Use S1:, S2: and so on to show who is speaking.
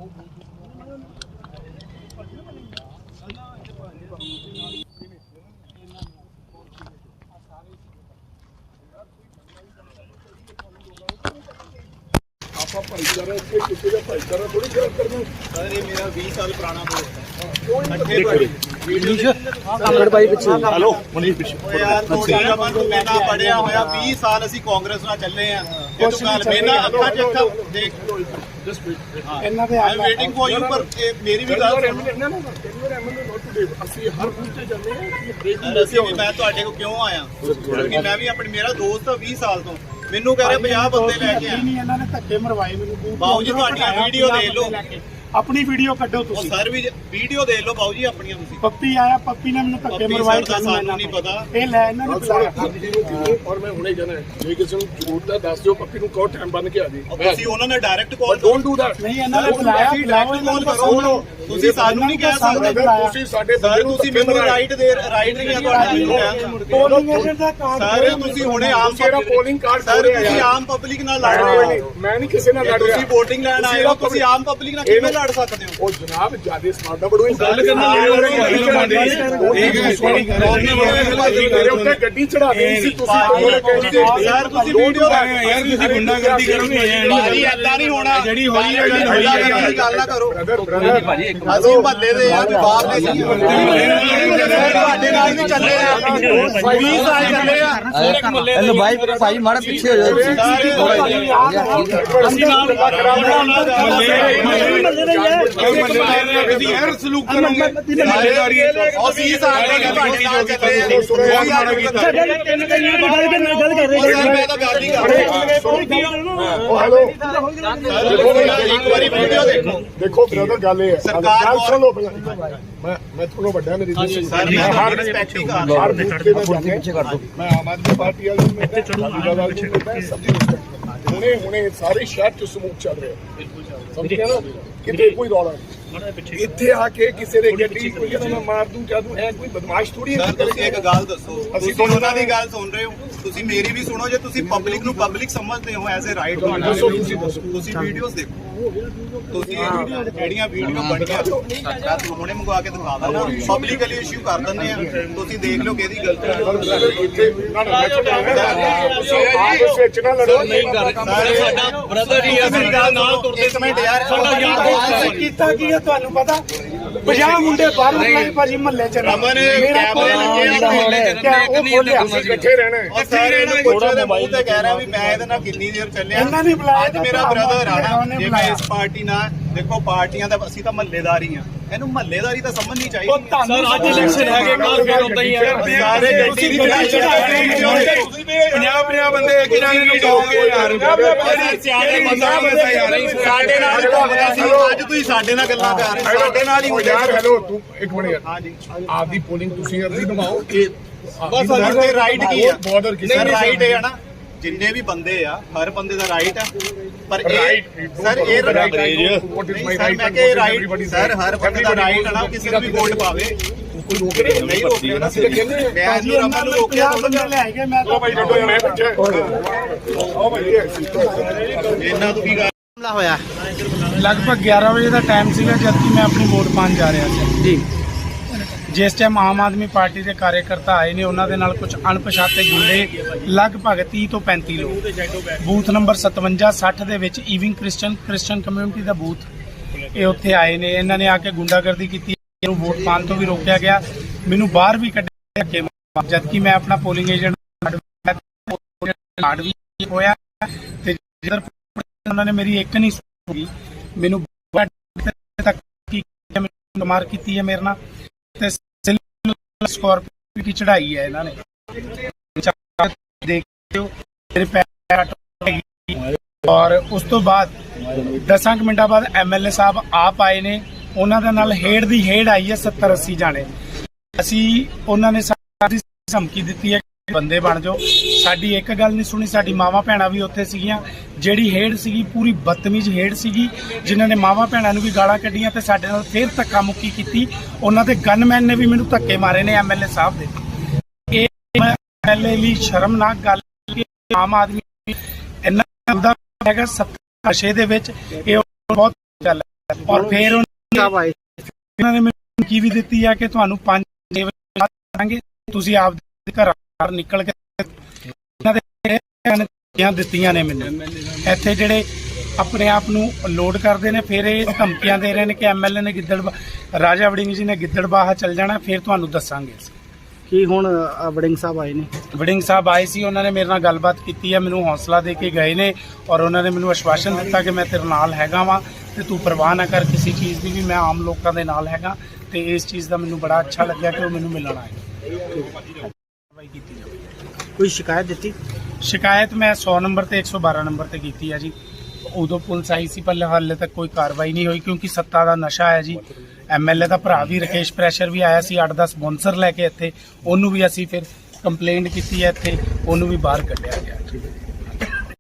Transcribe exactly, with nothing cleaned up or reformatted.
S1: ਆਪਾਂ ਭਾਈਚਾਰਾ ਇੱਥੇ ਕਿਸੇ ਦਾ ਭਾਈਚਾਰਾ ਥੋੜੀ ਖਰਾਬ ਕਰਨਾ। ਸਰ ਇਹ ਮੇਰਾ ਵੀਹ ਸਾਲ ਪੁਰਾਣਾ ਦੋਸਤ ਹੈ। हेलो मनीष पिछे यार ਤੁਹਾਡਾ ਮਨ ਤੋਂ ਮੈਂ ਨਾ ਪੜਿਆ ਹੋਇਆ ਵੀਹ ਸਾਲ ਅਸੀਂ ਕਾਂਗਰਸ ਨਾਲ ਚੱਲੇ ਆ ਇਹ ਤੋਂ ਗੱਲ ਮੈਨਾਂ ਅੱਖਾਂ ਚ ਅੱਖਾਂ ਦੇਖ ਇਹਨਾਂ ਦੇ ਆਈ ਵੇਟਿੰਗ ਫॉर ਯੂ ਪਰ ਮੇਰੀ ਵੀ ਗੱਲ ਸੁਣੋ ਅਸੀਂ ਹਰ ਪੁੱਛੇ ਜਾਂਦੇ ਆ ਅਸੀਂ ਮੈਂ ਤੁਹਾਡੇ ਕੋਲ ਕਿਉਂ ਆਇਆ ਕਿਉਂਕਿ ਮੈਂ ਵੀ ਆਪਣੀ ਮੇਰਾ ਦੋਸਤ ਆ ਵੀਹ ਸਾਲ ਤੋਂ ਮੈਨੂੰ ਕਹ ਰਿਹਾ ਪੰਜਾਹ ਬੰਦੇ ਲੈ ਕੇ ਆ ਨਹੀਂ ਇਹਨਾਂ ਨੇ ਧੱਕੇ ਮਰਵਾਏ ਮੈਨੂੰ ਬਾਊ ਜੀ ਤੁਹਾਡੀਆਂ ਵੀਡੀਓ ਦੇਖ ਲਓ अपनी वीडियो कड्डो तुसी सर भी वीडियो देख लो बाबू जी अपनी तुसी पप्पी आया पप्पी ने मैंने धक्के मरवाए सानू नहीं पता ए ले इन्हां ने बुलाया और मैं हुणे जाना है जे किसी ਨੂੰ ਜ਼ਰੂਰਤ ਹੈ ਦੱਸ ਦਿਓ ਪੱਪੀ ਨੂੰ ਕਹੋ ਟਾਈਮ ਬੰਨ ਕੇ ਆ ਜੀ ਤੁਸੀਂ ਉਹਨਾਂ ਨੇ direct call don't do that ਨਹੀਂ ਇਹਨਾਂ ਨੇ ਬੁਲਾਇਆ ਬੁਲਾਓ ਇਹਨਾਂ ਨੂੰ ਕਰੋ ਤੁਸੀਂ ਸਾਨੂੰ ਨਹੀਂ ਕਹਿ ਸਕਦੇ ਤੁਸੀਂ ਸਾਡੇ ਬੰਦੇ ਨੂੰ ਤੁਸੀਂ ਮੈਨੂੰ ਰਾਈਟ ਦੇ ਰਾਈਟ ਨਹੀਂ ਆ ਤੁਹਾਡਾ ਪੋਲਿੰਗ ਏਜੰਟ ਦਾ ਕਾਰਡ ਸਰ ਤੁਸੀਂ ਹੁਣੇ ਆਮ ਜਿਹੜਾ ਪੋਲਿੰਗ ਕਾਰਡ ਸਰ ਤੁਸੀਂ ਆਮ ਪਬਲਿਕ ਨਾਲ ਲੜ ਰਹੇ ਹੋ ਮੈਂ ਨਹੀਂ ਕਿਸੇ ਨਾਲ ਲੜ ਰਿਹਾ ਤੁਸੀਂ ਵੋਟਿੰਗ ਲੈਣ ਆਏ ਹੋ ਤੁਸੀਂ ਆਮ ਪਬਲਿਕ ਨਾਲ ਕਿਵੇਂ ਲੜ ਸਕਦੇ ਹੋ ਉਹ ਜਨਾਬ ਜਿਆਦਾ ਸਮਾਰਟ ਬੜੋ ਗੱਲ ਕਰਨਾ ਮੇਰੇ ਉੱਤੇ ਗੱਡੀ ਚੜਾ ਦਿੱਤੀ ਸੀ ਤੁਸੀਂ ਯਾਰ ਤੁਸੀਂ ਵੀਡੀਓ ਯਾਰ ਤੁਸੀਂ ਗੁੰਡਾਗਰਦੀ ਕਰੋਗੇ ਭਾਜੀ ਏਦਾਂ ਨਹੀਂ ਹੋਣਾ ਜਿਹੜੀ ਹੋਈ ਹੈ ਗੁੰਡਾਗਰਦੀ ਗੱਲ ਨਾ ਕਰੋ ਅਸੀਂ ਮਹੱਲੇ ਦੇ ਯਾਰ ਬਾਹਰ ਨੇ ਜੀ ਤੁਹਾਡੇ ਨਾਲ ਵੀ ਚੱਲੇ ਆ ਵੀਹ ਸਾਲ ਚੱਲੇ ਆ
S2: हेलो भाई भाई मारा पीछे हो जाओ
S1: ਅਸੀਂ ਨਾਲ ਅਸੀਂ ਹਰ ਸਲੂਕ ਕਰਾਂਗੇ ਅਸੀਂ ਸਾਡੇ ਤੁਹਾਡੇ ਨਾਲ ਚੱਲੇ ਆ ਗੱਲ ਕਰ ਰਹੇ ਮੈਂ ਤਾਂ ਗੱਲ ਹੀ ਕਰ ਰਿਹਾ ਉਹ ਹੈਲੋ ਇੱਕ ਵਾਰੀ ਵੀਡੀਓ ਦੇਖੋ ਦੇਖੋ ਬ੍ਰਦਰ ਗੱਲ ਇਹ ਹੈ ਗੱਲ ਸੁਣ ਲਓ ਮੈਂ ਮੈਂ ਤੁਹਾਨੂੰ ਵੱਡਾ ਮੇਰੀ ਸਰ ਮੈਂ ਹਰ ਰਿਸਪੈਕਟ ਹੀ ਕਰ ਹਰ ਪਿੱਛੇ ਕਰ ਦੋ ਮੈਂ ਆਮ ਆਦਮੀ ਪਾਰਟੀ ਵਾਲੇ ਨੂੰ ਮੈਂ ਚੜੂਗਾ ਵਾਲੇ ਨੂੰ ਮੈਂ ਸਭ ਦੀ ਰਿਸਪੈਕਟ ਹੁਣੇ ਹੁਣੇ ਸਾਰੇ ਸ਼ਹਿਰ ਚ ਸਮੂਹ ਚੱਲ ਰਿਹਾ ਸਮਝ ਗਿਆ ਨਾ ਕਿਤੇ ਕੋਈ ਰੌਲਾ ਇੱਥੇ ਆ ਕੇ ਕਿਸੇ ਦੇ ਗੱਡੀ ਕੋਈ ਕਹਿੰਦਾ ਮੈਂ ਮਾਰ ਦੂੰ ਕਿਆ ਦੂੰ ਐ ਕੋਈ ਬਦਮਾਸ਼ ਥੋੜੀ ਹੈ ਤੁਸੀਂ ਇੱਕ ਗੱਲ ਦੱਸੋ ਅਸੀਂ ਉਹਨਾਂ ਦੀ ਗੱਲ ਸੁਣ ਰਹੇ ਹੋ ਤੁਸੀਂ ਮੇਰੀ ਵੀ ਸੁਣੋ ਜੇ ਤੁਸੀਂ ਪਬਲਿਕ ਨੂੰ ਪਬਲਿਕ ਸਮਝਦੇ ਹੋ ਐਜ਼ ਅ ਰਾਈਟ ਤੁਹਾਡਾ ਤੁਸੀਂ ਵੀਡੀਓਜ਼ ਦੇਖੋ ਤੁਸੀਂ ਜਿਹੜੀਆਂ ਵੀਡੀਓ ਬਣੀਆਂ ਮੈਂ ਹੁਣੇ ਮੰਗਵਾ ਕੇ ਦਿਖਾ ਦਾਂ ਪਬਲਿਕਲੀ ਇਸ਼ੂ ਕਰ ਦਿੰਦੇ ਆ ਤੁਸੀਂ ਦੇਖ ਲਓ ਕਿਹਦੀ ਗਲਤੀ
S3: ਸਾਡਾ ਬ੍ਰਦਰ ਹੀ ਮੇਰੀ ਗੱਲ ਨਾਲ ਤੁਰਦੇ
S1: ਮਿੰਟ ਯਾਰ
S3: ਸਾਡਾ ਯਾਰ
S4: ਕੀਤਾ ਕੀ ਹੈ ਤੁਹਾਨੂੰ ਪਤਾ ਪੰਜਾਹ ਮੁੰਡੇ ਬਾਹਰ ਨਿਕਲੇ ਭਾਜੀ ਮਹੱਲੇ ਚ
S1: ਰਮਨ ਕੈਮਰੇ ਲੱਗੇ ਆ
S4: ਉਹ ਬੋਲਿਆ
S1: ਅਸੀਂ ਇਕੱਠੇ ਰਹਿਣਾ ਔਰ ਸਾਰੇ ਨੂੰ ਪੁੱਛੋ ਦੇ ਮੂੰਹ ਤੇ ਕਹਿ ਰਿਹਾ ਵੀ ਮੈਂ ਇਹਦੇ ਨਾਲ ਕਿੰਨੀ ਦੇਰ ਚੱਲਿਆ
S4: ਇਹਨਾਂ ਨੇ ਬੁਲਾਇਆ
S1: ਅੱਜ ਮੇਰਾ ਬ੍ਰਦਰ ਆਣਾ ਜੇ ਮੈਂ ਇਸ ਪਾਰਟੀ ਨਾਲ ਦੇਖੋ ਪਾਰਟੀਆਂ ਦਾ ਅਸੀਂ ਤਾਂ ਮਹੱਲੇਦਾਰੀ ਆ ਇਹਨੂੰ ਮਹੱਲੇਦਾਰੀ ਤਾਂ ਸਮਝਣੀ ਚਾਹੀਦੀ
S3: ਸਰ ਅੱਜ ਇਲੈਕਸ਼ਨ ਹੈਗੇ ਕੱਲ ਫੇਰ ਹੁੰਦਾ ਹੀ ਹੈ
S1: ਸਾਰੇ ਗੱਡੀ ਦੀ
S3: ਪੰਜਾਹ ਪੰਜਾਹ ਬੰਦੇ ਕਿਹਨਾਂ ਨੇ ਲੁਕਾਓਗੇ ਯਾਰ
S1: ਸਾਡੇ ਨਾਲ ਹੀ ਘੁੰਮਦਾ ਸੀ ਅੱਜ ਤੁਸੀਂ ਸਾਡੇ ਨਾਲ ਗੱਲਾਂ ਕਰ ਰਹੇ ਸਾਡੇ ਨਾਲ ਹੀ ਹੋ
S5: ਯਾਰ ਹੈਲੋ ਤੂੰ ਇੱਕ ਮਿੰਟ ਯਾਰ
S1: ਹਾਂਜੀ
S5: ਆਪਦੀ ਪੋਲਿੰਗ ਤੁਸੀਂ ਅਰਜ਼ੀ ਨਿਭਾਓ ਇਹ
S1: ਬਸ ਸਾਡੇ ਰਾਈਟ ਕੀ ਆ
S5: ਬਾਰਡਰ ਕਿਸੇ
S1: ਰਾਈਟ ਹੈ ਨਾ ਜਿੰਨੇ ਵੀ ਬੰਦੇ ਆ ਹਰ ਬੰਦੇ ਦਾ ਰਾਈਟ ਆ ਪਰ ਇਹ ਸਰ ਇਹ ਰਾਈਟ ਮੈਂ ਕਿ ਰਾਈਟ ਸਰ ਹਰ ਬੰਦੇ ਦਾ ਰਾਈਟ ਆ ਨਾ ਕਿਸੇ ਨੂੰ ਵੀ ਵੋਟ ਪਾਵੇ
S5: ਕੋਈ ਰੋਕ ਰਿਹਾ
S1: ਨਹੀਂ ਰੋਕਿਆ ਨਾ ਸਿਰ ਕਹਿੰਦੇ ਮੈਂ ਅੱਜ ਰਮਨ ਨੂੰ ਰੋਕਿਆ
S4: ਬੰਦੇ ਲੈ ਕੇ ਮੈਂ
S5: ਉਹ ਭਾਈ ਡੱਡੋ ਮੈਂ ਪਿੱਛੇ ਉਹ ਭਾਈ
S1: ਇਹਨਾਂ ਤੋਂ ਕੀ ਗੱਲ
S4: ਹੋਇਆ ਲਗਭਗ ਗਿਆਰਾਂ ਵਜੇ ਦਾ ਟਾਈਮ ਸੀਗਾ ਜਦ ਕਿ ਮੈਂ ਆਪਣੀ ਵੋਟ ਪਾਉਣ ਜਾ ਰਿਹਾ ਸੀ ਜੀ ਜਿਸ ਟਾਈਮ ਆਮ ਆਦਮੀ ਪਾਰਟੀ ਦੇ ਕਾਰਜਕਰਤਾ ਆਏ ਨੇ ਉਹਨਾਂ ਦੇ ਨਾਲ ਕੁਝ ਅਣਪਛਾਤੇ ਗੁੰਡੇ ਲਗਭਗ ਤੀਹ ਤੋਂ ਪੈਂਤੀ ਲੋਕ ਬੂਥ ਨੰਬਰ ਸਤਵੰਜਾ ਸੱਠ ਦੇ ਵਿੱਚ ਈਵਿੰਗ ਕ੍ਰਿਸਚੀਅਨ ਕ੍ਰਿਸਚੀਅਨ ਕਮਿਊਨਿਟੀ ਦਾ ਬੂਥ ਇਹ ਉੱਥੇ ਆਏ ਨੇ ਇਹਨਾਂ ਨੇ ਆ ਕੇ ਗੁੰਡਾਗਰਦੀ ਕੀਤੀ ਇਹਨੂੰ ਵੋਟ ਪਾਉਣ ਤੋਂ ਵੀ ਰੋਕਿਆ ਗਿਆ ਮੈਨੂੰ ਬਾਹਰ ਵੀ ਕੱਢਿਆ ਜਦ ਕਿ ਮੈਂ ਆਪਣਾ ਪੋਲਿੰਗ ਏਜੰਟ ਕਾਰਡ ਵੀ ਹੋਇਆ ਤੇ ਜਿੱਧਰ ਉਹਨਾਂ ਨੇ ਮੇਰੀ ਇੱਕ ਨਹੀਂ ਸੁਣੀ ਮੈਨੂੰ ਤੱਕ ਮਾਰ ਕੀਤੀ ਹੈ ਮੇਰੇ ਨਾਲ ਤੇ ਸਕੋਰਪੀਓ ਦੀ ਚੜਾਈ ਹੈ ਇਹਨਾਂ ਨੇ ਦੇਖਿਓ ਮੇਰੇ ਪੈਰ ਔਰ ਉਸ ਤੋਂ ਬਾਅਦ ਦਸਾਂ ਕੁ ਮਿੰਟਾਂ ਬਾਅਦ ਐਮਐਲਏ ਸਾਹਿਬ ਆਪ ਆਏ ਨੇ ਉਹਨਾਂ ਦੇ ਨਾਲ ਹੇਡ ਦੀ ਹੇਡ ਆਈ ਹੈ ਸੱਤਰ ਅੱਸੀ ਜਾਣੇ ਅਸੀਂ ਉਹਨਾਂ ਨੇ ਸਾਡੀ ਧਮਕੀ ਦਿੱਤੀ ਹੈ ਬੰਦੇ ਬਣ ਜਾਓ ਸਾਡੀ ਇੱਕ ਗੱਲ ਨਹੀਂ ਸੁਣੀ ਸਾਡੀ ਮਾਵਾਂ ਭੈਣਾਂ ਵੀ ਉੱਥੇ ਸੀਗੀਆਂ ਜਿਹੜੀ ਹੇਡ ਸੀਗੀ ਪੂਰੀ ਬਦਤਮੀਜ਼ ਹੇਡ ਸੀਗੀ ਜਿਨ੍ਹਾਂ ਨੇ ਮਾਵਾਂ ਭੈਣਾਂ ਨੂੰ ਵੀ ਗਾਲਾਂ ਕੱਢੀਆਂ ਤੇ ਸਾਡੇ ਨਾਲ ਫੇਰ ਧੱਕਾ ਮੁੱਕੀ ਕੀਤੀ ਉਹਨਾਂ ਦੇ ਗਨਮੈਨ ਨੇ ਵੀ ਮੈਨੂੰ ਧੱਕੇ ਮਾਰੇ ਨੇ ਐਮਐਲਏ ਸਾਹਿਬ ਦੇ ਇਹ ਐਮਐਲਏ ਲਈ ਸ਼ਰਮਨਾਕ ਗੱਲ ਕਿ ਆਮ ਆਦਮੀ ਇੰਨਾ ਹੈਗਾ ਸੱਤਾ ਨਸ਼ੇ ਦੇ ਵਿੱਚ ਇਹ ਬਹੁਤ ਗੱਲ ਔਰ ਫਿਰ ਉਹਨਾਂ ਨੇ ਮੈਨੂੰ ਕੀ ਵੀ ਦਿੱਤੀ ਆ ਕਿ ਤੁਹਾਨੂੰ ਪੰਜ ਛੇ ਵਜੇ ਕਰਾਂਗੇ, ਤੁਸੀਂ ਆਪ ਦੇ ਘਰ ਨਿਕਲ ਕੇ ਇਹਨਾਂ ਦੇ ਦਿੱਤੀਆਂ ਨੇ ਮੈਨੂੰ। ਇੱਥੇ ਜਿਹੜੇ ਆਪਣੇ ਆਪ ਨੂੰ ਲੋਡ ਕਰਦੇ ਨੇ, ਫਿਰ ਇਹ ਧਮਕੀਆਂ ਦੇ ਰਹੇ ਨੇ ਕਿ ਐਮਐਲਏ ਨੇ ਗਿੱਦੜ ਰਾਜਾ ਵੜਿੰਗ ਜੀ ਨੇ ਗਿੱਦੜਬਾਹਾ ਚੱਲ ਜਾਣਾ, ਫਿਰ ਤੁਹਾਨੂੰ ਦੱਸਾਂਗੇ।
S2: ਕੀ ਹੁਣ ਵੜਿੰਗ ਸਾਹਿਬ ਆਏ ਨੇ?
S4: ਵੜਿੰਗ ਸਾਹਿਬ ਆਏ ਸੀ, ਉਹਨਾਂ ਨੇ ਮੇਰੇ ਨਾਲ ਗੱਲਬਾਤ ਕੀਤੀ ਹੈ, ਮੈਨੂੰ ਹੌਸਲਾ ਦੇ ਕੇ ਗਏ ਨੇ ਔਰ ਉਹਨਾਂ ਨੇ ਮੈਨੂੰ ਆਸ਼ਵਾਸਨ ਦਿੱਤਾ ਕਿ ਮੈਂ ਤੇਰੇ ਨਾਲ ਹੈਗਾ ਵਾਂ ਤੇ ਤੂੰ ਪਰਵਾਹ ਨਾ ਕਰ ਕਿਸੇ ਚੀਜ਼ ਦੀ ਵੀ, ਮੈਂ ਆਮ ਲੋਕਾਂ ਦੇ ਨਾਲ ਹੈਗਾ। ਤੇ ਇਸ ਚੀਜ਼ ਦਾ ਮੈਨੂੰ ਬੜਾ ਅੱਛਾ ਲੱਗਿਆ ਕਿ ਉਹ ਮੈਨੂੰ ਮਿਲਣ ਆਏ। ਕੀਤੀ ਜਾਵੇ।
S2: ਕੋਈ ਸ਼ਿਕਾਇਤ ਦਿੱਤੀ?
S4: ਸ਼ਿਕਾਇਤ ਮੈਂ ਸੌ ਨੰਬਰ ਤੇ ਇੱਕ ਸੌ ਬਾਰਾਂ ਨੰਬਰ ਤੇ ਕੀਤੀ ਹੈ ਜੀ। ਉਦੋਂ ਪੁਲਿਸ ਆਈ ਸੀ, ਪਰ ਹਾਲੇ ਤੱਕ ਕੋਈ ਕਾਰਵਾਈ ਨਹੀਂ ਹੋਈ ਕਿਉਂਕਿ ਸੱਤਾ ਦਾ ਨਸ਼ਾ ਹੈ ਜੀ। ਐਮਐਲਏ ਦਾ ਭਰਾ ਵੀ ਰਕੇਸ਼ ਪ੍ਰੈਸ਼ਰ ਵੀ ਆਇਆ ਸੀ ਅੱਠ ਦਸ ਸਪਾਂਸਰ ਲੈ ਕੇ ਇੱਥੇ, ਉਹਨੂੰ ਵੀ ਅਸੀਂ ਫਿਰ ਕੰਪਲੇਂਟ ਕੀਤੀ ਹੈ ਇੱਥੇ, ਉਹਨੂੰ ਵੀ ਬਾਹਰ ਕੱਢਿਆ ਗਿਆ।